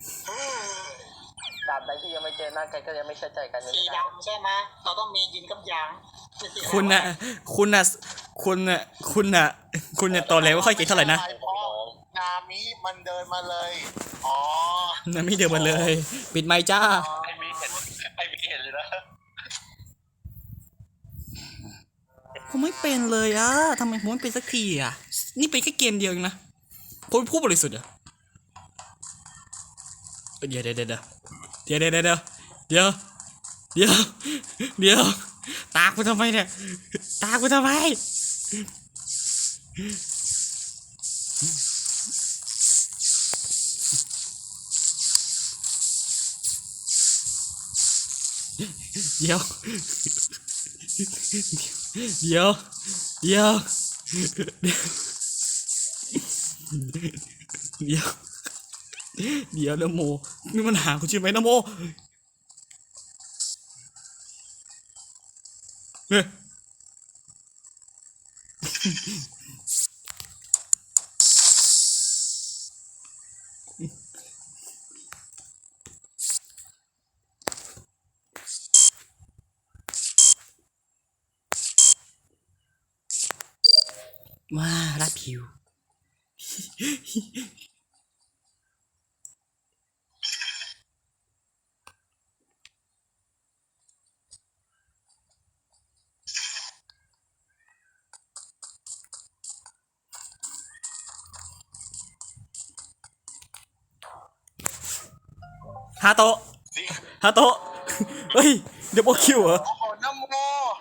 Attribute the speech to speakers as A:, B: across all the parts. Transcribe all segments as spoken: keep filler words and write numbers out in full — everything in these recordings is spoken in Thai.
A: ตราบใดที่ยังไม่เจอหน้ากันก็ยังไม่เชื่อใจกัน
B: สีดำใช่ไหมเราต้องมียินกับยาง
C: คุณน่ะคุณน่ะคุณน่ะคุณน่ะคุณเนี่ยตอนแรกไม่ค่อยเก่งเท่าไหร่นะ
D: นามิมันเดินมาเลยอ๋อ
C: นามิเดินมาเลยปิดไมค์จ้า
D: ไอมีเห็นไอมีเห็นเลยนะ
C: ผมไม่เป็นเลยอ่ะทำไมผมไม่เป็นสักทีอ่ะนี่เป็นแค่เกมเดียวเองนะผมเป็นผู้บริสุทธิ์อ่ะเดี๋ยวเดี๋ยวเดี๋ยวเดี๋ยวเดี๋ยวเดี๋ยวเดี๋ยวเดี๋ยวเดี๋ยวเดี๋ยวตากูทำไมเนี่ยตากูทำไมเดี๋ยวเดี๋ยวเดี๋ยวเดี๋ยวเดี๋ยวเดี๋ยวนะโมนี่มันหาคุณใช่ไหมนะโมเฮ้ยว้ารัดผิวฮาโตะฮาโตะเฮ้ยเดี๋ยวโบคิวเหรอ
D: โอ้โหน้ำโม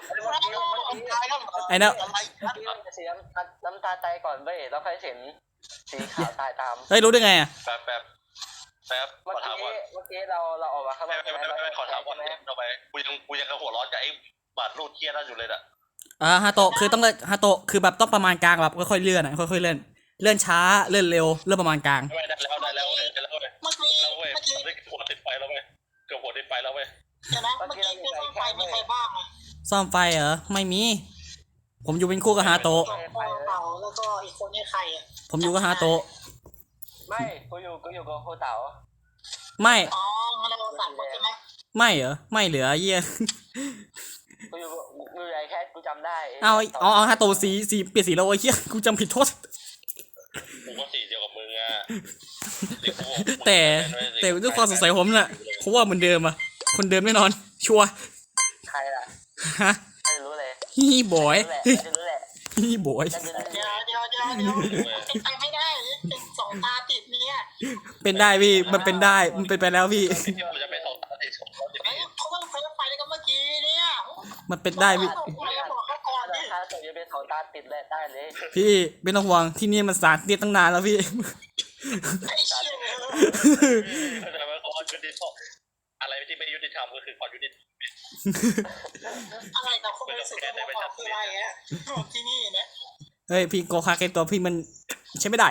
C: ไอ้นะ
A: เสียน้ำตาใจก่อนเว้ยแล้วค่อยเห็นสีขาวตายตาม
C: เฮ้ยรู้ได้ไงอ่ะ
D: แป๊บแป๊บแป๊บ
A: เมื่อกี้เมื่อกี้เราเราออกมาข้างนอก
D: ไม่ไม่ไม่ขอถามว่าทำไมกูยังกูยังกระหัวร้อนกับไอ้บาดรูดเทียนั่นอยู่เลยอ่ะ
C: อ่าฮาโตะคือต้องเลื่อนฮาโตะคือแบบต้องประมาณกลางแบบค่อยๆเลื่อนอ่ะค่อยๆเลื่อนเลื่อนช้าเลื่อนเร็วเลื่อนประมาณกลาง
D: ได้แล้วได้แล้วได้แล้วเมื่อกี้เมื่อกี้หัวติดไฟแล้วเว้ยเกือบหัวติดไฟแล้วเว้ย
B: เดี๋ยวนะเมื่อกี้ที่ซ่อมไฟมีใครบ้างอ่ะ
C: ซ่อมไฟเหรอไม่มีผมอยู่เป็นคู่กับฮาโตะ
B: แล้วก็อีกคนนี่ใครอ่ะ
C: ผมอยู่กับฮาโตะ
A: ไม่กูอยู่กูอยู่กับโคเต๋า
C: ไม่
B: อ๋องั้นเราสั่งใช่ไหม
C: ไม่เหรอไม่เหลือเยี่ย
A: กูอยู่กูอยู่ไอแคทกูจำได้
C: เอาเอาเอาฮาโตะสีสีเปลี่ยนสีแล้วไอ้เหี้ยกูจำผิดโทษ
D: กูก็สีเดียวกับมึงอ่ะ
C: แต่แต่ด้วยความสงสัยผมน่ะเพราะว่าเหมือนเดิมอ่ะคนเดิมแน่นอนชัวร์
A: ใครล่ะ
C: ฮะ
A: ไม่รู้เลย
C: ฮีบอย
A: รู้แหละ
C: ฮีบอย
B: เดี๋ยวเดี๋ยวเดี๋ยวเดี๋ยวเดี๋ยวเป็นไปไม่ได้เป็นสองตาติดเนี่ย
C: เป็นได้พี่มันเป็นได้มันเป็นไปแล้วพี่
D: จะไม่สองตาติด
B: เขาต้องใช้ไฟกันเมื่อกี้เนี่ย
C: มันเป็นได้พี่
A: ถ้าตัวจะเป็นสองตาติดเลยได้เลย
C: พี่ไม่ต้องห่วงที่นี่มันสารเตี้ยตั้งนานแล้วพี่
B: ไอ้เชี่ย
D: แต่ว่าความยุติธรรมอะไรที่ไม่ยุติธรรมก็คือความยุติธรรม
B: อะไรแต่คนไม่สุดก็บอกคืออะไรอ่ะที่นี่นะ
C: เฮ้ยพี่โกคาเกตัวพี่มันใช้ไม่ได้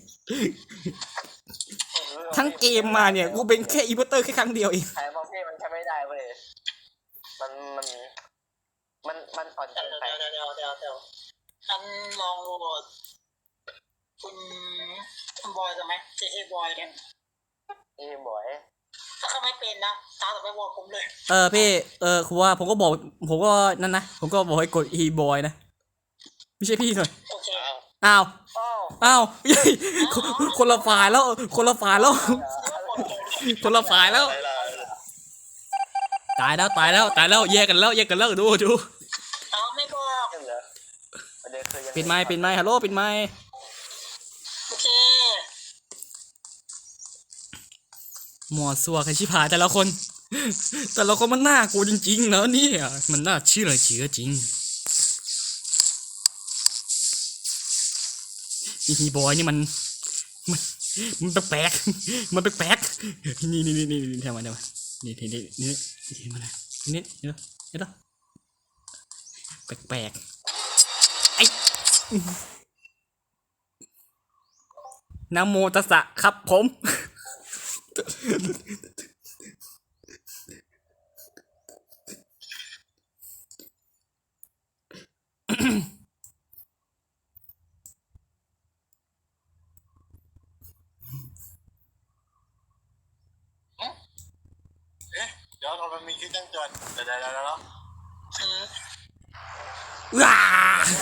C: ทั้งเกมมาเนี่ยกูเป็นแค่อีเวอร์เตอร์แค่ครั้งเดียวเอง
A: ใช่เพราะพี่มันใช้ไม่ได้เว้ยมันมันมันมันอ่อนเกินไป
B: เดี๋ยวเดี๋ยวเดี๋ยวเดี๋ยวฉันลองดูคุณคุณบอยใช่ไหมเจเอบอยเนี่ย
A: เอบอย
B: ถ้าเขาไม่เป็นนะตาต่อไปบอกผมเลย
C: เออพี่เออคือว่าผมก็บอกผมก็นั่นนะผมก็บอกให้กดอีบอยนะไม่ใช่พี่หน่อยอ้าวอ้าวคนละฝ่ายแล้วคนละฝ่ายแล้วคนละฝ่ายแล้วตายแล้วตายแล้วตายแล้วแยกกันแล้วแยกกันแล้วดูดู
B: เอาไม่บอก
C: ปิดไมค์ปิดไมค์ฮัลโหลปิดไมค์
B: โอเค
C: หมอสัวกันชิพายแต่ละคนแต่ละคนมันน่ากลัวจริงๆนะเนี่ยมันน่าเชื่อเชื่อจริงฮีบอยนี่มันมันมันแปลกๆมันแปลกๆนี่นี่นี่นี่ทำมาทำมานี่นี่นี่นี่นี่มาเลยนี่นี่นี่ต่อแปลกๆไอ้นะโมตัสสะครับผม
E: เดี๋ยวมันมีคลิปแจ้งเตือนเดี๋ยวเดี๋ยวเดี๋ยว
B: อืม
C: ว้า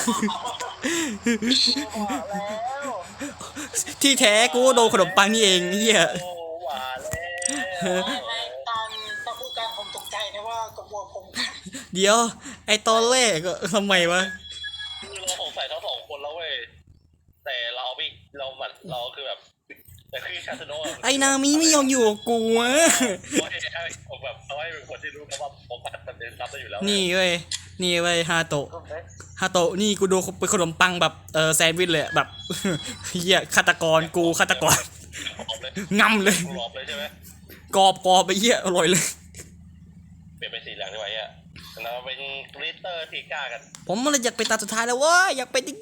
A: บอกแล้ว
C: ที่แท้กูโดนขนมปังนี่เองเฮีย
D: โอ้หวานแล้ว
B: ในตอนตอนพูดกันผมตกใจนะว่ากระบวนผมกัน
C: เดี๋ยว ไอตอนแรกก็ทำไมวะ
D: คือเราสงสัยทั้งสองคนแล้วเว้ยแต่เราไม่เราเหมือนเราคือแบบแต่คือคาสโน
C: ไอนามิไม่ยอมอยู่กับกูวะ
D: ว่าให้ผมแบบเขาให้เป็นคนที่รู้นะว่าผมปัดมันเป็นรับได้อยู่แล้ว
C: นี่เว้ยนี่เว้ยฮาโตะ
A: รูปเล็ก
C: ฮาโตะนี่กูโดนเป็นขนมปังแบบเออแซนด์วิชเลยอะแบบ เฮียฆาตกรกูฆาตกร
D: หอมเลย
C: งำเลย
D: หอมเลยใช่ไหม
C: กรอบกรอบไปเฮียอร่อยเลย
D: เปลี่ยนเป็นสีเหลืองดีกว่าอ่ะเราเป็นกลิตเตอร์พีก้ากัน
C: ผมมันเลยอยากเป็นตาสุดท้ายแล้วเว้ยอยากเป็นจริง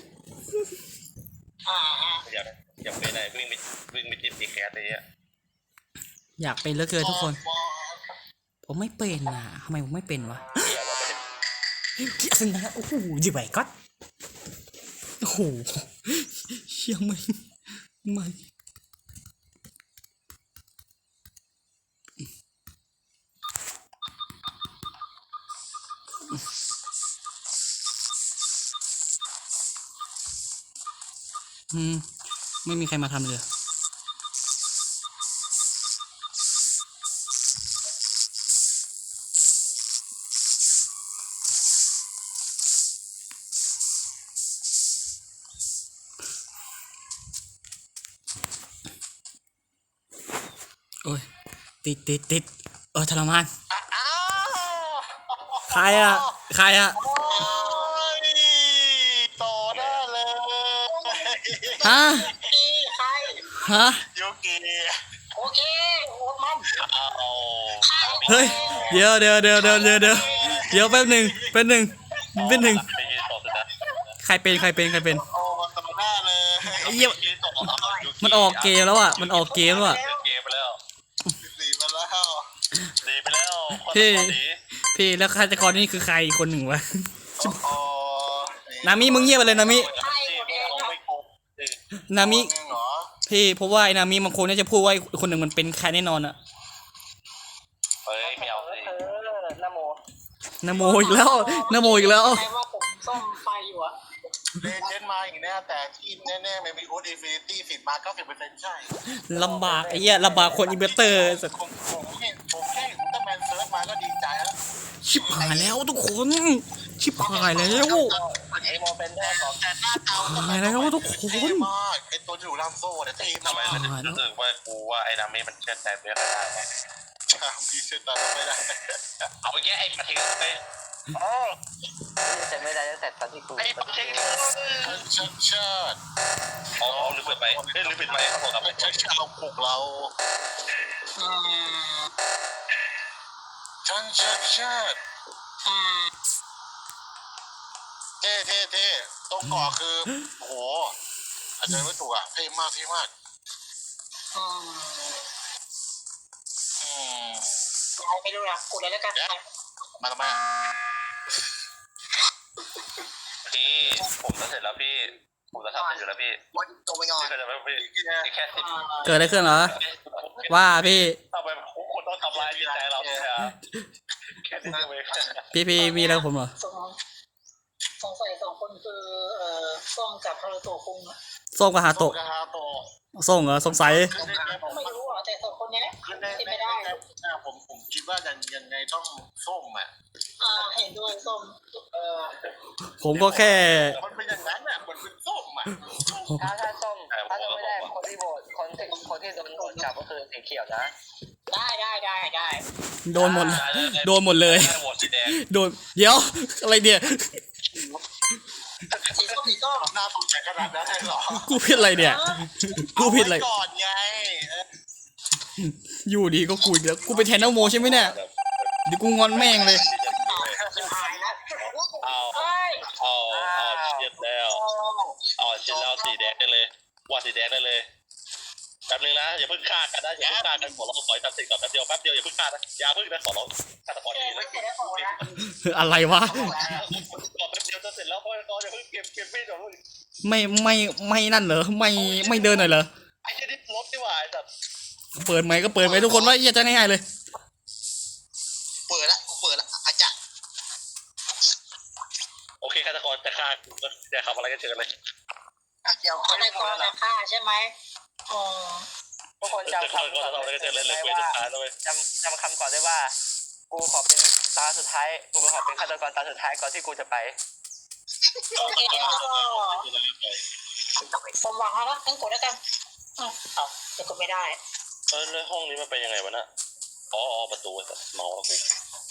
B: อ่าฮะ
D: อยากอยากเป็นอะไรวิ่งไปวิ่งไปจิ้มตีแคสอะไรเงี้ย
C: ๆอยากเป็นเหลือเกินทุกคน ผมไม่เป็นอ่ะทำไมผมไม่เป็นวะ
D: เดี๋ยวเราไป
C: เกียร์นะโอ้โหจิ๋วไปก็โอ้โหเชี่ยไม่ไม่อืมไม่มีใครมาทำเลยโอ้ยติดติดติดเออทรมานใครอะใครอะ
E: โอ้ยต่อหน้าเลย
C: ฮะ
B: อีใคร
C: ฮะ
E: โยกิ
B: โอเคโอ้มัน
D: เอา
C: เฮ้ยเดี๋ยวเดี๋ยวเดี๋ยวเดี๋ยวเดี๋ยวเดี๋ยวเดี๋ยวแป๊บหนึ่งแป๊บหนึ่งแป๊บหนึ่ง
D: ไปยืนต่อสุดนะ
C: ใครเป็นใครเป็นใครเป็น
E: โอ้ต่อหน้าเลย
C: ไอ้เหี้ย
D: ยืนต่อเอายู
C: มันออกเกมแล้วอ่ะมันออกเกมแล้วอ่ะ
D: เกมไปแล้ว
E: หนีมาแล้ว
D: ดีไปแล้ว
C: พี่
D: คนดี
C: พี่แล้วฆาตกรนี่คือใครอีกคนหนึ่งวะ
E: โอ้
C: นามิมึงเงียบไปเลยนามิ
B: ใช่โอเคครับ
D: ไม่โกง
C: นามิ
E: นึงเหรอ
C: พี่เพราะว่าไอ้นามิมันคงน่าจะพูดว่าไอ้คนหนึ่งมันเป็นใครแน่นอนอ่ะ
D: เฮ้ยไม่เอาสิ
A: เออนะโม
C: นาโมอีกแล้วนาโมอีกแล้ว
B: ใครว่าผมซ่อมไฟอยู่อะ
E: เลเจนมาอีกแน่แต่ที่แน่ๆไม่มีอูดอินฟินิตี้สิบมาเก้าสิบเปอร์เซ็นต์ใช่
C: ลำบากไอ้เหี้ยลำบากคนอินเวสเตอร์สัตว์
E: ผมผมแค่ผมแค่อุลตร้าแมนเซิร์ชมาก็ดีใจแล้ว
C: ชิบหายแล้วทุกคน ชิบหายแล้ว
A: ไอโมเป็นได้บอก
E: แต่หน้าเตา
C: หายแล้วทุกคน
E: เท่มากไอตัวถูกลามโซ่เนี่ยเท่
D: ทำไม
E: มาก
D: มันรู้สึกว่ากูว่าไอ้นามิมันเชื่อใจไม่ได้ไง
E: ชามพีเชตตาไม่ได้
D: เอาไปแย่ไอ้มาทิ้งไป
A: โอ้จะไม่ได้ตั้งแต่ตอนที่กู
D: ไอ้มาทิ้ง
E: เชิดเชิด
D: อ๋อหรือเปิดไปเฮ้ยหรือปิดไปครับผมครับ
E: เชิดเชิดเราปลุกเรา
B: อืม
E: ชันเชิดเชิด
B: อืม
E: เท่เท่เท่ตรงเกาะคือโอ้โหอาจจะไม่ถูกอ่ะเท่มากเท่มาก
B: อืม
E: อืม
B: ย้ายไปดูนะกดเลยแล้วกัน
E: มาทำไม
D: พี่ผมจะเสร็จแล้วพี่ผมจะทำเสร็จอยู่แล้วพี่
E: วันตัวไปก่อน
D: พี่ก็จะไม่พี่แค่สิบ
C: เกิดอะไรขึ้นเหรอ ว่าพี่
D: ทำไมคุณต้องทำลายจิตใจเราเนี่ยฮะแค่สิบเอง
C: พี่พี่มีอะไรกับผมเหรอ
B: สงสงสัยสองคนคือเอ่อส้มกับฮารุโตะคุงอะ
C: ส้มกับฮาโตะ
E: กฮาโต
C: ส้มเหรอสงสัย
E: ขึ้นได้ไงผม
B: ไม่รู้อ่ะแต่สองคนเนี้ยแหละ
E: ขึ้นได้
B: เป็น
E: ไม่
B: ไม่
E: ได้
B: ได้
E: ผมผมคิดว่ายังยังไงต้องส้มอ่ะ
B: อ่าเห็นด้วยส้ม
E: เออ
C: ผมก็แค่
E: มันเป็นอย่างนั้นอ่ะมันเป็นส้มอ่ะ
A: ถ้าถ้าส้มถ้าส้มไม่ได้คนที่โหวตคนที่คนที่โดนโหวตกลับก็คือสีเขียวนะ
B: ได้ได้ได้ได้
C: โดนหมดโดนหมดเลย
D: โหวตสีแดง
C: โดนเดี๋ยวอะไรเนี่ย
B: สีส้มสีส้ม
E: หน้าสนใจขนาดนั้นเลยเหรอ
C: กูผิดอะไรเนี่ย กูผิดอะไร
E: เาว้ก่อนไงเออ
C: อยู่ดีก็กูอีกแล้ว กูเป็นแทนน้องโมใช่ไหมเนี่ยเดี๋ยวกูงอนแม่งเลย
B: จะหายแล้ว
D: เอา
B: เฮ้ย
D: เอาเอาเช็ดแล้วเอาเช็ดแล้วสีแดงได้เลยว่าสีแดงได้เลยแป๊บนึงนะอย่าเพิ่งฆ่ากันนะอย่าเพิ่งฆ่ากันขอร้องขอให้ตัดสินก่อนแป๊บเดียวแป๊บเดียวอย่าเพิ่งฆ่านะอย่าเพิ่งนะขอร้องฆาตกร
B: แก
D: ดี
B: ไม่
D: นะ
B: เสร็จแล้วบอกนะ
C: อะไรวะ
D: ขอแป๊บเดียวจะเสร็จแล้วเพราะตอนอย่าเพิ่งเก็บเก็บมีดก่อนลูก
C: ไม่ไม่ไม่นั่นเหรอ ไม่ไม่เดินหน่อยเหรอ
D: ไอ้เช่นนี้รถดีกว่าไอ้สัตว์
C: เปิดไหมค์ก็เปิดไหมค์ทุกคนว่าเหี้ยจะง่ายๆเลย
D: อยากทำอะไรก็เชิญเลย
E: เกี่ยว
B: ฆาตกรจะฆ่าใช่ไหมอ๋อ
A: ทุกคน
D: จะ
A: จำ
D: เข้า
A: คำ
D: ก็
A: ก่อน
D: ทำอะไรก็เชิญเลยเลย
A: ไหม
D: เควส
A: ว่า
D: สุดท้ายแล้วเว้ย
A: จำจำคำก่อนได้ว่า กูขอเป็นตาสุดท้าย กูขอเป็นฆาตกรตาสุดท้ายก่อนที่กูจะไป
B: โอเคงั้นก็ผมหวังแล้วนะงั้นกดแล้วกันอ้าวเอาแต่กดไม่ได้
D: เออแล้วห้องนี้มันเป็นยังไงวะน่ะอ๋อประตูเมาแล้วกู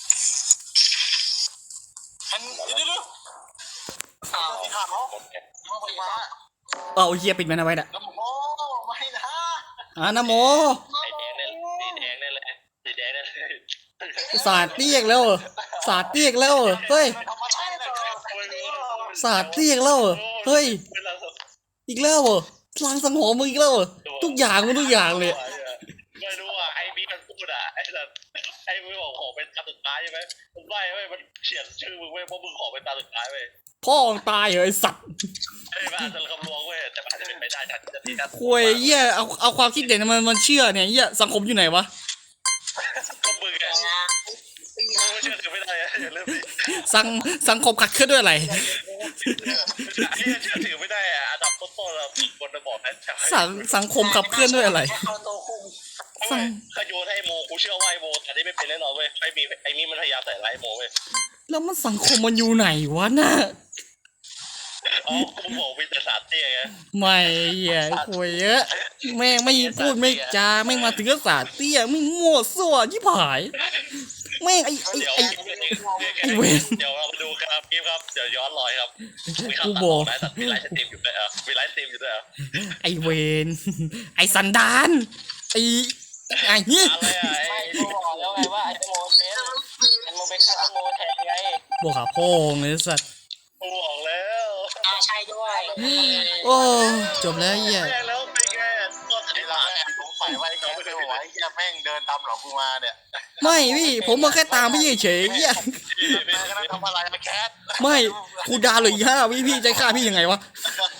E: ฉันเดี๋ยวเดี๋ยว
B: อ้าว
E: สีขาวยังไม่มา
C: เอาเฮียปิดมันเอาไว้น่ะ
E: น้ำโมไม่นะ
C: อ่านะโม
D: ไอ้แดงเนี่ยสีแดงเนี่ยเลยสีแดงเนี่ยเลย
C: สาดเตียกแล้วเหรอสาดเตียกแล้วเหรอเฮ้ย
E: ทำอะไรนะครับ
C: สาดเตียกแล้วเหรอเฮ้ยอีกแล้วเหรอลางสังหรณ์มึงอีกแล้วเหรอทุกอย่างมึงทุกอย่างเลย
D: ไม่รู้อ่ะไอ้บีมันพูดอ่ะไอ้แบบไอ้มึงบอกขอเป็นตาสุดท้ายใช่ไหมมันไม่เว้ยมันเขียนชื่อมึงเว้ยเพราะมึงขอเป็นตาสุดท้ายเว้ย
C: พ่อมึงตายเหรอไอสัตว์
D: ไอ้บ้าจะคำนวณเว้ยแต่มันอาจจะเป็นไปได้นะจะทีนะ
C: คุยเหี้ยเอาเอาความคิดเด่นมันมันเชื่อเนี่ยเหี้ยสังคมอยู่ไหนวะ
D: ก็มึงอ่ะมึงเชื่อถือไม่ได้อะอย่าลืมดิ
C: สังสังคมขัดเคลื่อนด้วยอะไร
D: ไอ้เชื่อถือไม่ได้อ่ะอันดับต้นๆเราคนจะบอกนะใช่
C: สังสังคมขับเคลื่อนด้วยอะไร
B: เอาตัวคุม
C: สัง
D: ขโยนให้โมกูเชื่อว่าไอ้โมแต่นี่ไม่เป็นแน่นอนเว้ยไอ้มีไอ้มีมันพยายามใส่ร้ายโมเว้ย
C: แล้วมันสังคมมันอยู่ไหนวะน่ะ
D: อ๋อกูบอกมีแต่สารเตี้ยไง
C: ไม่เหี้ยคุยเยอะแม่งไม่พูดไม่จาแม่งมาถึงก็สาดเตี้ยไม่งมั่วซั่วชิบหายแม่งไอ้ไอ้
D: เดี๋ยว
C: ไอ้ ไอ้เวร
D: เดี๋ยวเรามาดูครับคลิปครับเดี๋ยวย้อนรอยครับมีคำ
C: กู
D: ตัด
C: บอก
D: นะแต่มีไลฟ์สตรีมอยู่ด้วยเหรอมีไลฟ์สตรีมอยู่ด้วยเหรอ
C: ไอ้เวนไอ้สันดานไอ้ไอ้นี่
D: อะไรอ่ะไอ้
A: ไม่กูบอกแล้วไงว่าไอ้โมเป็นมันมึงเป็นฆาตโมแทนไง
C: บอกหาพ่อไงสัตว์
D: กูบอกแล้ว
B: อ่าใช่ด้วย
C: โอ้จบแล้วเหี้ย
D: แม่งแล้วไปแค่ก็
E: ไอ้เราแอบสงสัยว่าไอ้แกไม่ไหวไอ้เหี้ยแม่งเดินตามหลอกกูมาเนี่ย
C: ไม่พี่ผมมาแค่ตามพี่เฉยๆเหี้ย
E: แม่ก็นั่งทำอะไรมาแคท
C: ไม่กูดาวเหลยห้าวิพี่ใจฆ่าพี่ยังไงวะ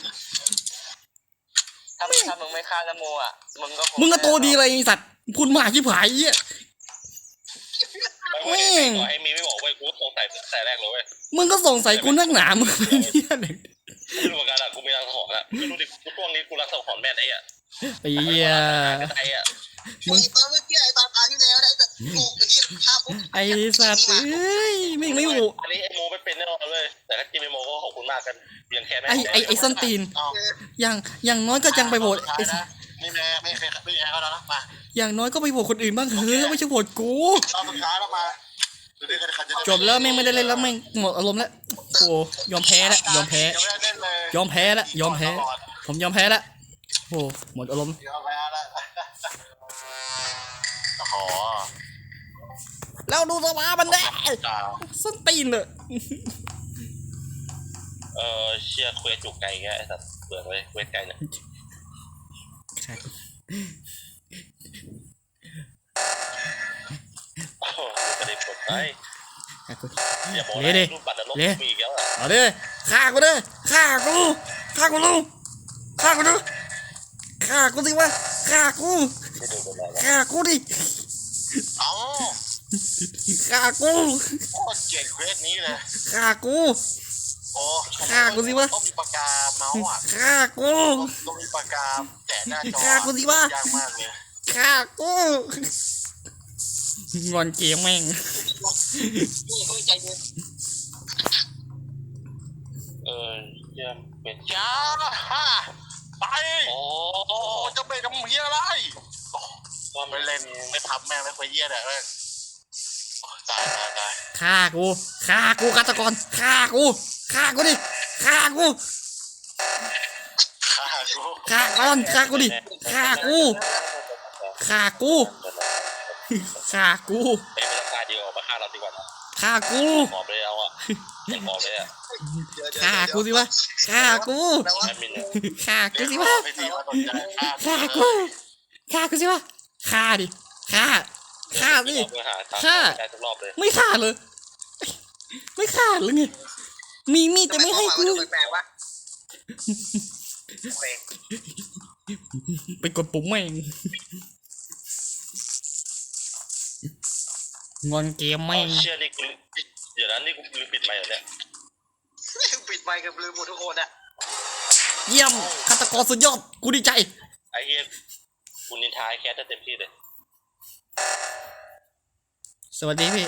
A: ถ้ามึงถ้ามึงไม่ฆ่านโมอ่ะมึงก็ค
C: มึงก็โตดีอะไรไอ้สัตว์พูดมากชิบหายเหี้ย
D: ไม่ไอ้มีไม่บอกเว้ยกูสงสัยตั้งแต่แรกเลยเว้ย
C: มึงก็สงสัยกูนักหนามึงเป็นเหี้ยอะไร
D: ไม่รู้เหมือนกันอ่ะกูมีรังสังหรณ์อ่ะไม่รู้ดิกูช่วงนี้กูรังสังหรณ์แม่ไอ้อ่ะ
C: ไอ้เหี้ย
D: ไอ้อ่ะ
C: มึง
E: ตอนเมื่อกี้ไอ้ตอนตาที่แล้วได้แต่ถูกไอ้เหี้ยภาพปุ๊บ
C: ไอ้สัตว์เอ้ยไม่ไม่หมู
D: อันนี้ไอ้โมไม่เป็นแน่นอนเลยแต่ถ้ากินไอ้โมก็ขอบคุณมากกันเพียงแค่แม่
C: ไอ้ไอ้ไอ้ส้นตีน
E: เอา
C: อย่างอย่างน้อยก็ยังไปโหวต
E: ท้าย
C: ไอ้
E: นะนี่แม่ไม่เคยไม่แพ้เขาแล้วนะมา
C: อย่างน้อยก็ไปโหวตคนอื่นบ้างเฮ้ยไม่ใช่โหวตกู
E: รอบสุดท้ายแล้วมาดูดิใครใครจะได้
C: จบแล้วแม่งไม่ได้เล่นแล้วแม่งหมดอารมณ์แล้วโอ้ยอมแพ้แล้วยอมแพ้
E: ยังไม่ได้เล่นเลย
C: ยอมแพ้แล้วยอมแพ้ ผมยอมแพ้แล้วโอ้หมดอารมณ์
E: ยอมแพ้แล้วโอ้โห
C: แล้วดูสภาพมันแน่
E: จ้า
C: ส้นตีนเลย
D: เออเชียร์เควสจุกไก่แกไอ้สัตว์เบื่อเลยเควสไก่เนี่ยโอ้โหจะได้กดไปอย่าบอกนะรูปบัตรนรกมีอีกแล้วอ่ะ
C: เอาดิฆ่ากูดิฆ่ากูฆ่ากูลูกฆ่ากูดิฆ่ากูสิวะฆ่ากู
D: ไม่ดูกันแล้ว
C: ฆ่ากูดิ
E: เอ้า
C: ฆ่ากู
E: โคตรเกลียดเควสนี้เลย
C: ฆ่ากู
E: โอ้
C: ฆ่ากูสิวะ
E: ต้องมีปากกาเมาส์อ่ะ
C: ฆ่ากู
E: ต้องมีปากกาแตะหน้าจอ
C: ฆ่ากูสิวะ
E: ยากมากเลย
C: ฆ่ากูงอนเกมแม่ง
B: นี่คุยใจเย็น
D: เออเยี่ยมเป็น
E: อย่าฮ่าไป
D: โอ้
E: โอ้จะไปทำเฮียอะไรโอ้
D: ก็
E: ไม่เล่นไม่ทำแม่งไม่คุยเฮียเลยแม่งโอ้ตายตายตาย
C: ฆ่ากูฆ่ากูฆาตกรฆ่ากูฆ่ากูดิฆ่ากู
E: ฆ่ากู
C: ฆ่าก่อนฆ่ากูดิฆ่ากูฆ่ากูฆ่ากู
D: เอ้ยไม่ต้องฆ่าเดียวมาฆ่าเราดีกว่า
C: ฆ่ากู
D: หอมเลยเอาอ่ะหอมเลยอ่ะ
C: ฆ่ากูสิวะฆ่ากู
D: แอดมินเนี่ย
C: ฆ่ากู
E: เดี๋ยว
C: สิวะ
E: ไม่ดีว่าสนใจฆ่า
C: ฆ่ากูฆ่ากูสิวะฆ่าดิฆ่าฆ่าสิ
D: เราไปหาตาม
C: ฆ่า
D: ได้ทุกรอบเลย
C: ไม่ฆ่าเลยไม่ฆ่าเลยไงมีมีดแต่ไม่ให้กู
A: แปลว่าโอเค
C: ไปกดปุ่มแม่งงอนเกมแม่ง
D: เชื่อนี่กูเดี๋ยวนั้นนี่กูลืมปิดไมค์เหรอเนี่ย
E: ปิดไมค์กับลืมหมดทุกคนอะ
C: เยี่ยมฆาตกรสุดยอดกูดีใจ
D: ไอ้เหี้ยกูนินทาไอ้แคทได้เต็มที่เลย
C: สวัสดีพี่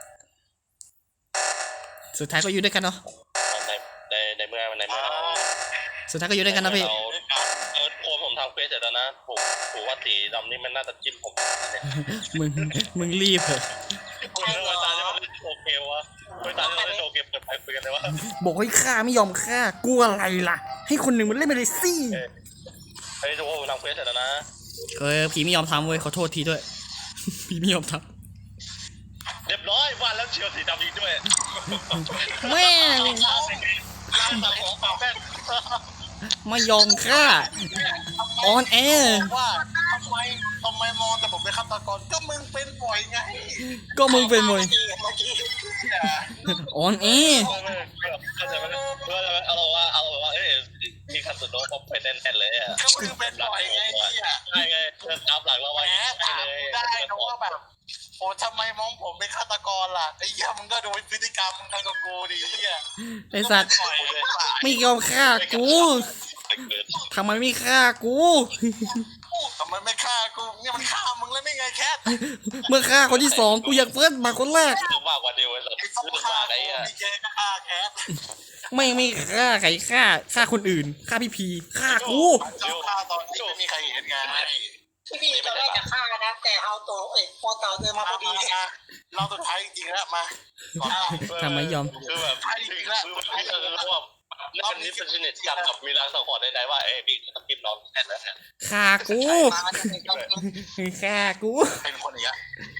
C: สุดท้ายก็อยู่ด้วยกันเนาะ
D: ในในในเมื่อในเมื่อเรา
C: สุดท้ายก็อยู่ด้วยกันนะพี่
D: เราเออโคนผมทำเควสเสร็จแล้วนะผมผมว่าสีดำนี่มันน่าจะจิ้มผมเนี่ย
C: มึงมึงรีบเหอะ
D: คุณเรื่องตาที่มันเล่นโอเควะเวลาที่เราเล่นโอเคเปิดไปคุยกันเลยว่า
C: บอกให้ฆ่าไม่ยอมฆ่ากลัวอะไรล่ะ ให้คนหนึ่งมันเล่นไปเลยสิ
D: เฮ้ยทุกคนผมทำเควสเสร็จแล้วนะ
C: เออผีไม่ยอมทำเว้ยขอโทษทีด้วย ผีไม่ยอมท
D: เรียบร้อยวันแล้วเชียวสีดำอีกด้วย
C: ำแม่ง
D: ร้านตัดของปากแป้ง
C: ไม่ยอมฆ่าออนแอร์
E: ว่าทำไมทำไมมองแต่ผมเป็นฆาตกรก็มึงเป็นบ่อยไง
C: ก็มึงเป็นมวย
B: เมื่อกี้
C: ออนแอร์
D: เข้าใจไหมเข้าใจไหมเอาเราว่าเอาเราว่าเอ้ยมีคันสุดโน้ตผมเป็นแน่นๆเลยอ่ะ
E: ก็มึงเป็นบ่อยไงเนี่ย
D: ใช่ไงเริ่มตามหลังเรา
E: แหม
D: ไว้
E: ถาม
D: เลย
E: กูได้นะว่าแบบโอ้ทำไมมองผมเป็นฆาตกรล่ะไอ้เหี้ยมึงก็ดูพฤติกรรมมึงทำกับกูดิไอ้เหี้ย
C: ไอสัตว์
E: ปล่อยเลย
C: ไม่ยอมฆ่ากู
D: ไม่เกิด
C: ทำไมไม่ฆ่ากู
E: ทำไมไม่ฆ่ากูเนี่ยมันฆ่ามึงแล้วนี่ไงแคท
C: เมื่อฆ่าคนที่สองกูอยากเฟิร์สมาคนแรก
D: เรื่องมากกว่าเดียวเลย
E: ไอ้ต้อง
D: เรื่อง
E: ฆ่าม
D: ากไอ้
E: กู
D: อะ
E: มีเกย์ก็ฆ่าแคท
C: ไม่ไม่ฆ่าใครฆ่าฆ่าคนอื่นฆ่าพี่พีฆ่ากู
E: เจ้าฆ่าตอนที่ไม่มีใครเห็นไง
B: พี่พี่ตอนแรกจะฆ่านะแต่เอาโตเอ้ยพอเต่าเดินมาพอดี
E: เราสุดท้ายจริงๆแล้วมา
C: ทำไมยอม
D: คือแบบคือแบบคือแบบว่าแล้วมันนี่เป็นชนิดจำกับมีรางสังหรณ์ใดๆว่าเอ้ยพี่ต้องกินน้องแอนแล้วเนี่ย
C: ฆ่ากู
B: มาจะเป็นต้อง
C: ฆ่ากู
E: เป็นคนอย่างเงี้ย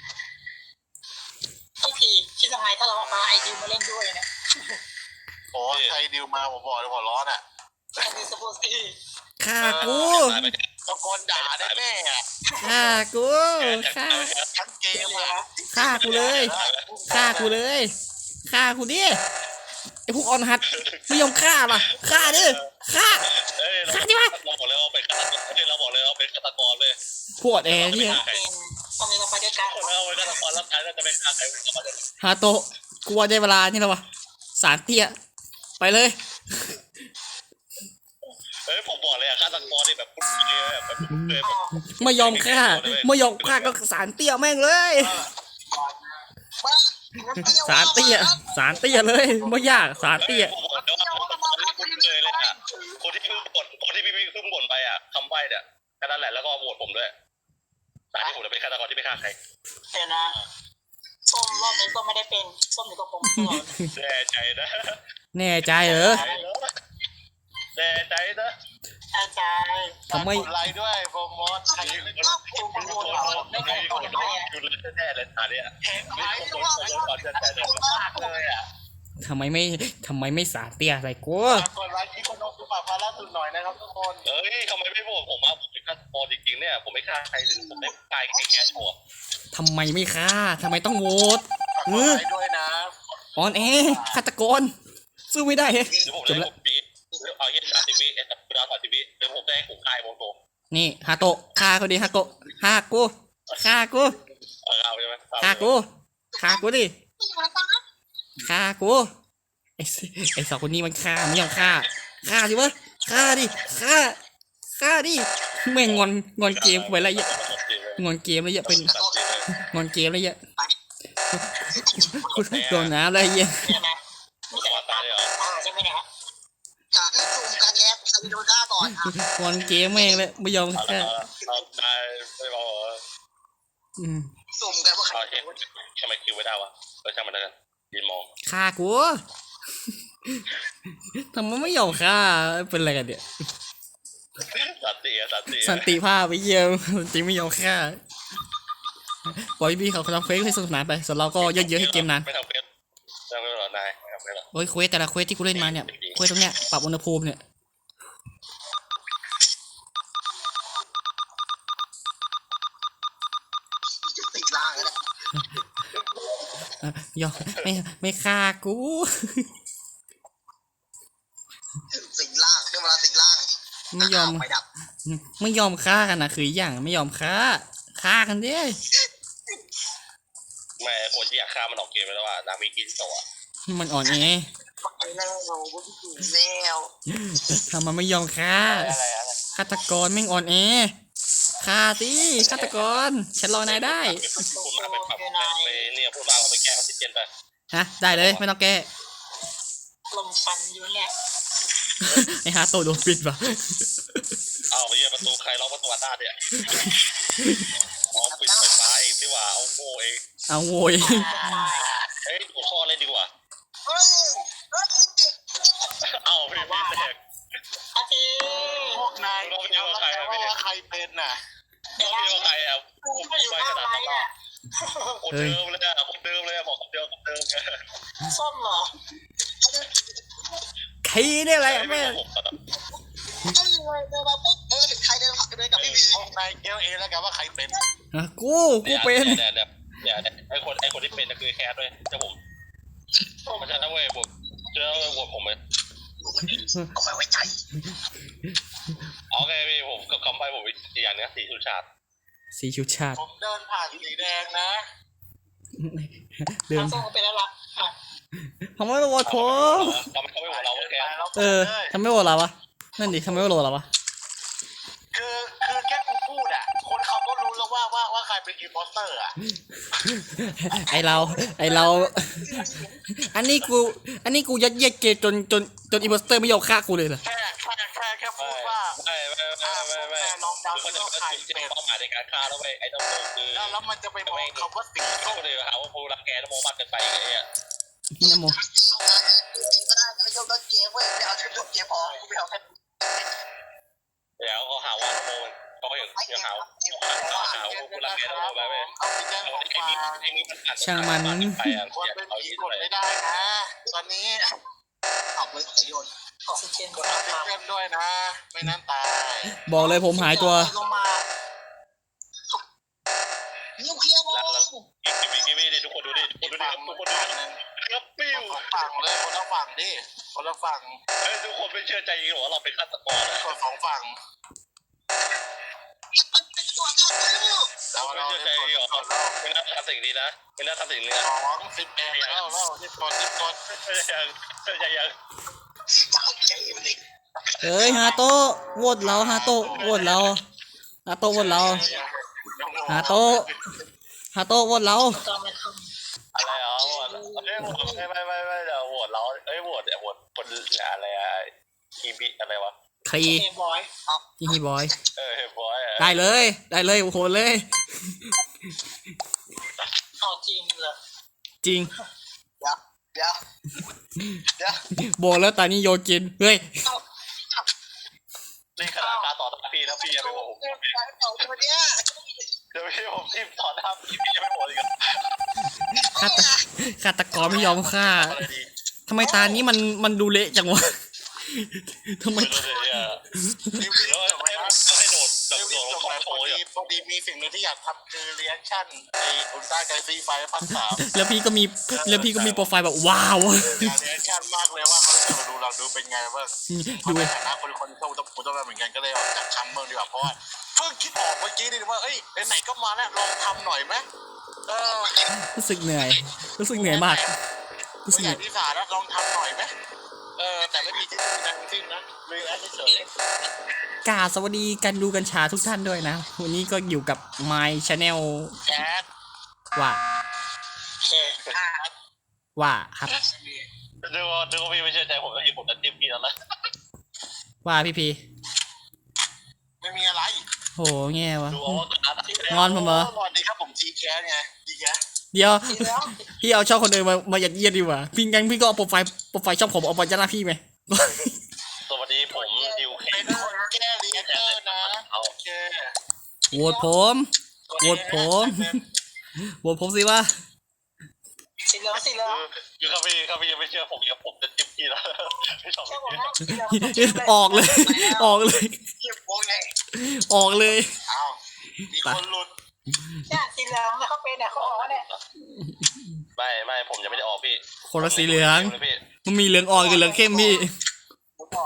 B: พี่พี่คิดยังไงถ้าเราเอามาไอดิวมาเล่นด้วยนะ
E: โอ้ใครดิวมาผมบอกเลยหัวร้อนอ่ะ
B: อันนี้สปอร์ตซี่
C: ฆ่ากู
E: ตะโกนด่าได้แม่อ่ะ
C: ฆ่ากูฆ่า
E: ทั้งเกมอ่ะ
C: ฆ่ากูเลยฆ่ากูเลยฆ่ากูดิไอพวกออนฮัทไม่ยอมฆ่าป่ะฆ่าดิฆ่า
D: เอ้ยเราเราบอกเลยว่าเป็นฆาตกรเอ้ยเราบอกเลยว่าเป็นฆาตกรเลย
C: พวดแอร์เนี่ย
B: เป็นตอนนี้เราไปด้วยกัน
D: เราเป็นฆาตกรแล้วใครจะเป็นฆาตใครเป็นฆาตกร
C: ฮาโตะกูว่าได้เวลานี่แล้ววะสารเตี้ยไปเลย
D: เฮ้ยผมบอกเลยอะฆาตกรนี่แบบปุ๊บเลยแบบปุ๊บเลยแบบ
C: ไม่ยอมฆ่าไม่ยอมฆ่าก็สารเตี้ยแม่งเลย สารเตี้ยสารเตี้ยเลยไม่ยากสารเตี้ย
D: ผมบอกเลยว่าคนที่เลยเลยอะคนที่เพิ่งบ่นคนที่พี่เพิ่งบ่นไปอะคำใบ้เนี่ยแค่นั้นแหละแล้วก็โหวตผมด้วยแต่ที่ผมจะเป็นฆาตกรที่ไม่ฆ่าใคร
B: เดี๋ยวนะส้มรอบนี้ก็ไม่ได้เป็นส้มอยู่กับผมตลอด
D: แน่ใจนะ
C: แน่ใจเหรอ
D: แน่ใจนะ
B: อาจารย์
C: ทำไม
E: กดไลค์ด้วยโปรโมทใคร
D: มี
E: ไม่
D: คนมีคนมีคนอยู่เลยแน่เลยตาเนี่ย
E: เห็นไหม
D: มีคน
E: ว่า
D: คนก่อนจะแต่เนี่ยมากเลยอ่ะ
C: ทำไมไม่ทำไมไม่สารเตี้ยอะไรกู
E: กดไลค์ที่คนน้องคือปากพาล่าสุดหน่อยนะครับทุกคน
D: เอ้ยทำไมไม่โหวตผมอ่ะผมเป็นฆาตกรจริงๆเนี่ยผมไม่ฆ่าใครเลยผมไม่ตายแค่ชัวร์
C: ทำไมไม่ฆ่าทำไมต้องโหวต
E: กดไลค์ด้วยนะ
C: ออนแอร์ฆาตกรสู้ไม่ได้เฮ้ย
D: เดี๋ยวผมจะให้ผมปีดเอาเย็นสามสิบวิเอ็ดดาวสามสิบวิเดี๋ยวผมจะให้ผมคายโมโต
C: นี่ฮาโตะฆ่าเขาดิฮาโตะฆ่ากูฆ่ากู
D: เอาใช่ไหม
C: ฆ่ากูฆ่ากูดิฆ่ากูไอ้สิไอ้สองคนนี้มันฆ่าไม่ยอมฆ่าฆ่าสิวะฆ่าดิฆ่าฆ่าดิแม่งงอนงอนเกมกูไปแล้วเยอะงอนเกมแล้วเยอะเป็นงอนเกมแล้วเยอะกูโดนน้ำแล้วเยอะ
B: เดี๋ยวนะมีแต่ตามตาใช่ไหมเนี่ยอยากให้ซูมกันแยกใครโดนฆ่าก่อนอ่ะ
C: งอนเกมแม่งเลยไม่ยอมฆ่า
D: เราตายไม่บอก
C: อืม
B: ซูมกันว่าใคร
D: โอเคทำไมคิวไม่ได้วะเออช่างมันแล้วกันยืนมอง
C: ฆ่ากูทำไมไม่ยอมฆ่าเป็นอะไรกันเนี่ย
D: สันติสันติ
C: สันติภาพไปเยี่ยมจริงไม่ยอมฆ่าปล่อยพี่เขาทำเควสให้สนุกสนานไปส่วนเราก็เยอะๆให้เกมนาน
D: ไม่ทำเควสไม่ทำเควสหรอนายไม่ทำเควสหรอ
C: โอ้ยเควสแต่ละเควสที่กูเล่นมาเนี่ยเควสตรงเนี้ยปรับอุณหภูมิเนี่ย
B: ติดล่างแล้ว
C: อ่ะยอมไม่ไม่ฆ่ากู
B: สิงล่างขึ้นมาสิงล่าง
C: ไม่ยอม
B: ไปดับ
C: ไม่ยอมฆ่ากันนะคืออย่างไม่ยอมฆ่าฆ่ากันดิ
D: แม่คนที่อยากฆ่ามันออกเกมไปแล้วว่านามิกินตัว
C: มันอ่อนแอ
B: ไปแล้วเราไม่ถึงแล้ว
C: ทำไมไม่ยอมฆ่า
A: อะไรอะไร
C: ฆาตกรแม่งอ่อนแอฆ่าสิฆาตกรฉันรอนายได้
D: พูดมาไปปรับไปเนี่ยพูดมาเราไปแก้ออกซิเจนไป
C: ฮะได้เลยไม่ต้องแก้
B: ลมฟันอยู่เนี่ย
C: ไอ้ฮาโตะโดนปิดว่ะ
D: เอาไปเยี่ยประตูใครล็อกประตูอัดหน้าเนี่ยอ๋อปิดไฟฟ้าเองดีกว่าเอาโง่เอง
C: เอาโวย
D: เฮ้ยหัวข้อเลยดีกว่า
B: เฮ้ย
D: เอาพี่พี่แตก
B: อาที
E: พวกนายเอาแล้วแต่ว่าใครเป็นน่ะ
D: ก็พี่ว่าใครอ่ะ
B: กู
D: ผม
B: ก็อยู่
D: ไป
B: หน้า
D: ขนาด
B: ไร
D: นั้น
B: อ่ะ
D: คนเดิมเลยอ่ะคนเดิมเลยบอกคนเดิมคนเดิม
B: ส้มเหรอ
C: ใครเนี่ยอะไร
D: ไม่
C: แม่
D: ผมตอนนั้น
B: เอ้ยเดินมาปุ๊บเออเห็นใครเดินผ่านเดินกับพี่วี
E: พวกนายเกลเองแล้วกันว่าใครเป็น
C: อ่ะกูกูเป็น
D: เนี่ยเนี่ยเนี่ยไอคนไอคนที่เป็นคือแคสด้วยเจ้าผมมันจะนะเว้ยผมเจอโหวตผมเลย
B: เอาไปไว้ใจ
D: โอเคพี่ผมก็คำไปผมอีกอย่างนึงสีสุชาติ
C: สีชุดชาติ
E: ผมเดินผ่านสีแดงนะ
C: เดิน
B: ทางส้มไปแล้วล่ะอ่ะ
C: ทำไมไม่โหวตผม
D: เราไม่เขาไม่โหวตเราแคส
C: เออทำไมไม่โหวตเราวะนั่นดิทำไมไม่โหวตเราวะ
E: คือคือแค่กูพูดอ่ะคนเขาก็รู้แล้วว่าว่าว่าใครเป็นอิมโพสเตอร์อ่ะ
C: ไอเราไอเรา อันนี้กู อันนี้กูยัดเยียดเกย์จนจนจนอีโพสเตอร์ไม่ยอมฆ่ากูเลยเหรอ
E: แค่แค่แค่แค่พูดว่า
D: ไม่ไม่ไม่ไม่ไม่
E: ลองเดา
D: คือ
E: ดู
D: เขาจะ
E: ว่าใคร
D: จุด
E: เป็น
D: เป้าหมายในการฆ่าแล้วเว้ยไอ้ตำรวจคือ
E: แล้วแล้วมันจะไปมองคำว่าสีส้ม
D: ก็เลยหาว่าผู้รักแกนโมมากเกินไปไอ้เนี่ย
C: นี่นะโม
B: ก็ได้ไม่ยกต้นเกมเว้ยไม่เอาชุดต้นเกมพอกูไม่เอาแค่
D: เดี๋ยวเขาหาว่าโมมันเขาก็อย่างอย่างหาเขาหาว่าผู้รักแกนโมไปเว้ย
E: เอาไปแจ้ง
D: ไอ้
E: ความ
D: มี
E: มา
D: ไอ้มีมันผ่าน
C: ช่างมัน
D: ไปอ่ะ
E: คนเป็นผีกดไม่ได้นะ ตอนนี้
B: เอาเลยขยนออกซิเจน
E: กดออกซิเจนด้วยนะ ไม่นั้นตาย
C: บอกเลยผมหายตัว
B: ลงมานิวเคลียร์บอล
D: กิมมี่กิมมี่ดิทุกคนดูดิทุกคนดูดิทุกคนดูดิครับปิ้ว
E: สองฝั่งเลยคนละฝั่งดิคนละฝั่ง
D: เฮ้ยทุกคนไม่เชื่อใจจริงหรอว่าเราเป็นฆาตกรนะ
E: กดสองฝั่ง
B: มันเป็นตัวการลูก
E: แล้ว
D: ไม่
E: เรา
D: เชื่อใจ
E: จะ
D: จริงหรอ
E: กดแล้ว
D: ไม่น่าทำสิ่งนี้นะไม่น่าทำสิ่งนี้นะ
E: สองสิบเอ็ดแล้วแล้วที่กดที่กด
D: ยังยังยัง
B: จะเอาเกมเลย
C: เอ้ยฮาโตะโหวตเราฮาโตะโหวตเราฮาโตะโหวตเราฮาโตะฮาโตะโหวตเรา
B: จอมไม่ท
D: อะไรอ๋อไม่ไม่ไม่ไม่ไม่เดี๋ยวโหวตเราเอ้ยโหวตเดี๋ยวโหวตคนอะไรอะคีบีอะไรวะ
C: ครี
B: ำเกมบอย
C: ฮีบอย
D: เออเฮ้ยบอยอะ
C: ได้เลย ได้เลยโอ้โหเลย
B: เอาจริงเหรอ
C: จริง
B: เดี๋ยวเดี๋ยวเดี๋ยว
C: บอกแล้วตอนนี้โยกิน เฮ้ย
D: นี่ขนาดการต่อหน้าพี่นะพี่ยังไม่โหวตผม
B: เกมการต่อตัวเนี้ย
D: เดี๋ยวพี่ผมทีมต่อหน้าพี่พี่ยังไม่โหวตอีกอ่ะ
C: ฆาตฆาตกรไม่ยอมฆ่า
D: อะไรดี
C: ทำไมตานี้มันมันดูเละจังวะ ทำไม
D: ไม่รู้เลยอ่ะ
E: รีวิ
D: เดี๋ยว
E: วจบ
D: ให้
E: แล้ว
D: ให้โดดแบบ
E: รี
D: โด
E: วิว
D: ด
E: จ
D: ล
E: บ
D: ง
E: แล้ว
D: โช
E: พอ
D: ว์
E: ดี
D: อ่ะ
E: พอดีมีสิ่งหนึ่งที่อยากทำคือเรีแอคชั่นไออุลตร้าไกซีไฟพันสาม
C: แล้วพี่ก็มีแล้วพี่ก็มีโปรไฟล์แบบว้าว
E: อยากเรีแอคชั่นมากเลยว่าเขาจะมาดูเราดูเป็นไงว่า
C: ดู
E: ในฐานะคนคนที่ชอบต้องพูดต้องเหมือนกันก็เลยออกจากคำเมืองดีกว่าเพราะว่าเพิ่งคิดออกเมื่อกี้นี่ว่าเอ้ยไหนๆก็มาแล้วลองทำหน่อยไหมเออ
C: รู้สึกเหนื่อย รู้สึกเหนื่อยมาก รู้สึ
E: ตัว
C: ก
E: อ
C: เหนื่
E: ย่า
C: อย
E: งที่สาแล้วลองทำหน่อยไหมเออแต่ไม่มีที่สิ้นทั้งสิ้นนะรีแอคเฉย
C: กราบสวัสดีกันดูกันชาทุกท่านด้วยนะ วันนี้ก็อยู่กับ My Channel
E: แคท
C: ว่า
B: โอเคอ่ะ
C: ว่าครับ
D: ดูว่าดูว่าพี่ไม่เชื่อใจผมแล้วยิงผมจะจิ้มพี่แล้วนะ
C: ว่าพี่พี
E: ไม่มีอะไร
C: โหแง่วะ
D: ดูเอาว่าการ
C: งอนผมเหรอ
E: สวัสดีครับผมจีแคทไงจีแคท
C: เดี๋ยว
B: ทีแล้ว
C: พี่เอาช่องคนอื่นมามายัดเยียดดีกว่า พี่งั้นพี่ก็เอาโปรไฟล์โปรไฟล์ช่องผมเอาไปยัดหน้าพี่ไหม
D: สวัสดีผมดิวเค
E: เป็นคนแก้รีแอคเตอร์นะโอเค
C: โหวตผมโหวตผมโหวตผมสิว่า
B: สีเหลืองสีเหลือง
D: คือเขาพี่เขาพี่ยังไม่เชื่อผมยังผมจะจิ้มพี่แล้วไม่ชอบ
B: เชื่อผม
D: พี่
B: นะสีเหลือง
C: ออกเลย ออกเลย
E: เทียบวงไง
C: ออกเลย
E: อ้าวมีคนหลุด
B: เนี่ยสีเหลืองแล้วเขาเป็นเนี่ยเขาออกเนี่ย
D: ไม่ไม่ผมยังไม่ได้ออกพี่
C: คนละสีเหลือง
D: พี่
C: มันมีเหลืองอ่อนกับเหลืองเข้มพี่
B: ผมก่อน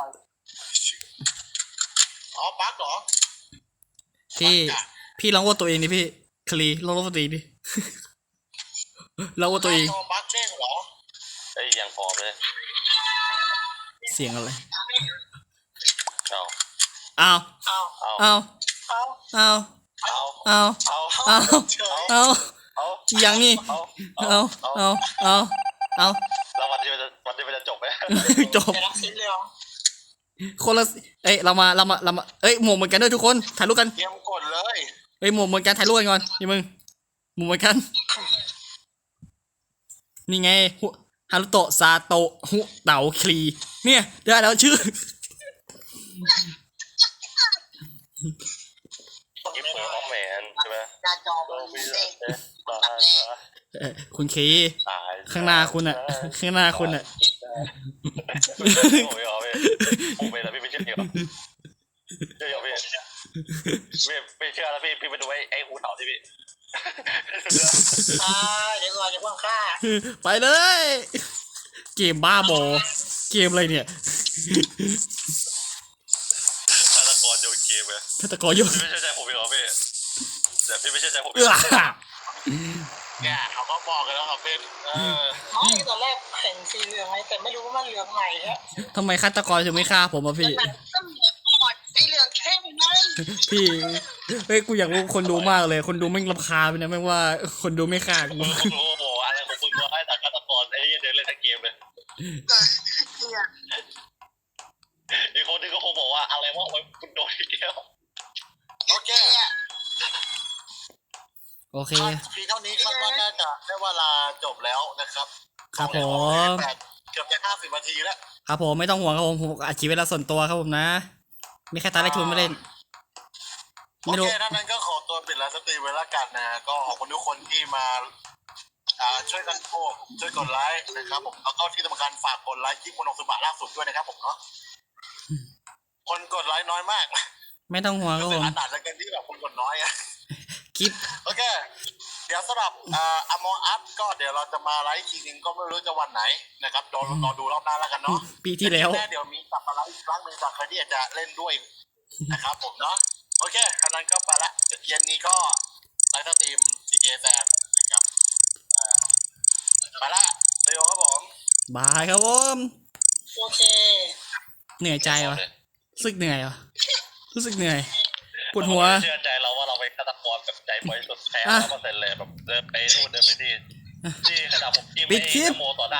E: อ๋อบั๊กเหรอ
C: พี่ พี่ลองโหวตตัวเองดิพี่คลีลองโหวตตัวเองดิ ลองโหวตตัวเอง
E: โดนบั๊กเด้งเหรอ
D: ไอ้ยังพอเลย
C: เสียงอะไร
D: เอา
C: อ้าว
B: เอา
C: อ้าว
B: เอา
C: อ้าว
D: เอา
C: อ้าว
D: เอา
C: อ้าว
B: เฉย
C: อ้าว
D: เอา
C: อย่างนี้
D: เอา
C: เอาเอาเอาเอา
D: แล้ววันที่มันจะวันที่มันจะจบไหม
C: จบ
B: แต่รักสีเหลือง
C: คนละเอ้ยเรามาเรามาเรามาเอ้ยหมวกเหมือนกันด้วยทุกคนถ่ายรูปกัน
E: เตรียมกดเลย
C: เอ้ยหมวกเหมือนกันถ่ายรูปกันก่อนนี่มึงหมวกเหมือนกันนี่ไงฮุฮารุโตะซาโตะฮุเต๋าคลีเนี่ยได้แล้วชื่อ
D: กิฟต์ของแมนใช่ไหม
B: หน้าจอ
D: โอ้
B: มัน
D: พี่
B: เด้ง
D: ตาย
C: เอ่อคุณคี
D: ตาย
C: ข้างหน้าคุณอะข้างหน้าคุณอะ
D: ผมไม่เอาพี่ผมไม่แล้วพี่ไม่เชื่อเหรอเชื่อเหรอพี่ไม่ไม่เชื่อแล้วพี่พี่ไปดูไอ้ไอ้หูเต่าที่พี่
B: อ่าเดี๋ยวก่อนจะเพิ่งฆ่า
C: ไปเลย เกมบ้าบอเกมอะไรเนี่ย
D: ฆาตกรโยนเกมไง
C: ฆาตกรโยน
D: พี่ไม่เชื่อใจผมเหรอพี่แต่พี่ไม่เชื่อใจผม
C: เอื้อ
E: เนี่ยเขาก็บอกกันแล้วครับเป็นเออ
B: ไม่ตอนแรกเห็นสีเหลืองไงแต่ไม่รู้ว่ามันเหลืองไหนฮะ
C: ทำไมฆาตกรถึงไม่ฆ่าผมอะพี่
B: มันก็เหลืองอ่อนไอเหลืองเข้มไง
C: พี่เฮ้ยกูอยากรู้คนดูมากเลย คนดูไม่งรำคาญไปนะแม่งว่าคนดูไม่ฆ่ากู
D: มึงรู้บอกอะไรของมึงว่าให้แต่ฆาตกรไอ้เหี้ยเดินเล่นทั้งเกมเลยอีกคนนึงก็คงบอกว่าอะไรวะโอ้ยคุณโดนอีกแล้ว
E: โอเค
C: โอเค
E: เพียงเท่านี้คาดว่าน่าจะได้เวลาจบแล้วนะครับ
C: ครับผม
E: เกือบจะห้าสิบนาทีแล้ว
C: ครับผมไม่ต้องห่วงครับผมผมอัดคลิปเวลาส่วนตัวครับผมนะ มีแค่ตาได้ทุนไม่เล่น
E: โอ
C: ไม่รู้
E: เคถ้านั้นก็ขอตัวปิดไลฟ์สตรีมไว้ละกันนะ ก็ขอบคุณทุกคนที่มาอ่าช่วยกันโพสช่วยกดไลค์นะครับผมแล้วก็ที่สำคัญฝากกดไลค์คลิปมโนสุบะล่าสุดด้วยนะครับผมเนาะคนกดไลค์น้อยมาก
C: ไม่ต้องห่วงครับ
E: เป็
C: ผ
E: น
C: ม
E: ขนาดแล้วกันที่แบบคนกดน้อยอะ
C: คลิป
E: โอเค เดี๋ยวสำหรับอ่าอมออัพก็เดี๋ยวเราจะมาไลฟ์อีกทีนึงก็ไม่รู้จะวันไหนนะครับรอรอดูรอบหน้าแล้วกันเนาะ
C: ปีที่แล้ว
E: น่เดี๋ยวมีกลับมาไลฟ์อีกครั้งหนึ่งจากใครที่อยากจะเล่นด้วยนะครับผมเนาะโอเคอันนั้นก็ไปละเย็นนี้ก็ไลฟ์สตรีมซีเจแซนนะครับอ่าไปละเซโยครับผม
C: บายครับผม
B: โอเค
C: เหนื่อยใจวะรู้สึกเหนื่อยวะรู้สึกเหนื่อยปวดหัว
D: เชื่อใจเราว่าเราเป็นฆาตกรแบบใจบริสุทธิ์แท้
C: อ่ะ
D: ร้อยเปอร์เซ็นต์เลยแบบเดินไปนู่นเดินไปนี่ที่ขนาดผมจิ้ม
C: ปิดคลิป
D: ไอ้นโมต่อหน้า